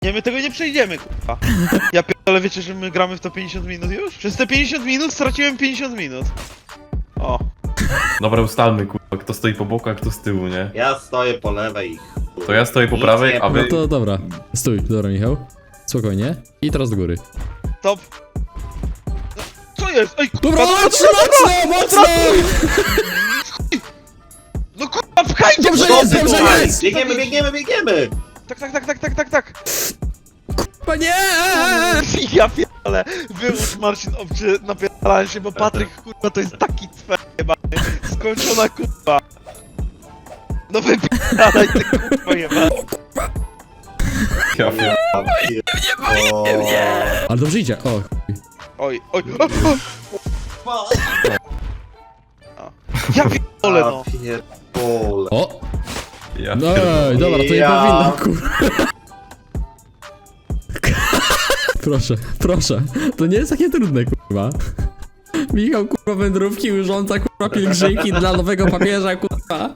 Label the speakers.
Speaker 1: Nie, my tego nie przejdziemy, kurwa. Ja pierdolę, wiecie, że my gramy w to 50 minut już? Przez te 50 minut straciłem 50 minut. O.
Speaker 2: Dobra, ustalmy, kurwa, kto stoi po boku, a kto z tyłu, nie?
Speaker 3: Ja stoję po lewej.
Speaker 2: To ja stoję po prawej, a
Speaker 4: No
Speaker 2: wy...
Speaker 4: to dobra. Stój, dobra Michał. Spokojnie. I teraz do góry.
Speaker 1: Stop. No, co jest? Ej, kurwa,
Speaker 4: Dobra, mocno, mocno!
Speaker 1: No kurwa, pchajcie!
Speaker 4: Dobrze
Speaker 1: mnie!
Speaker 4: jest, dobrze
Speaker 3: Słuchaj,
Speaker 4: jest!
Speaker 3: biegniemy!
Speaker 1: Tak.
Speaker 4: Panie!
Speaker 1: Ja pierdolę, wyłóż Marcin obcie napierdalałem się, bo Patryk kurwa to jest taki cwer jebany. Skończona kurwa. No wypierdalaj ty kurwa jebany.
Speaker 2: Ja wiem.
Speaker 4: Ale dobrze idzie. O, chuj.
Speaker 1: Oj. Ja pierdolę no.
Speaker 3: Pierdolę.
Speaker 4: O!
Speaker 2: Ja
Speaker 4: No,
Speaker 2: pierdolę.
Speaker 4: dobra, to nie
Speaker 3: Ja.
Speaker 4: powinno, kurwa. Proszę. To nie jest takie trudne, kurwa. Michał, kurwa, wędrówki, urządza, kurwa, pielgrzymki dla nowego papieża, kurwa.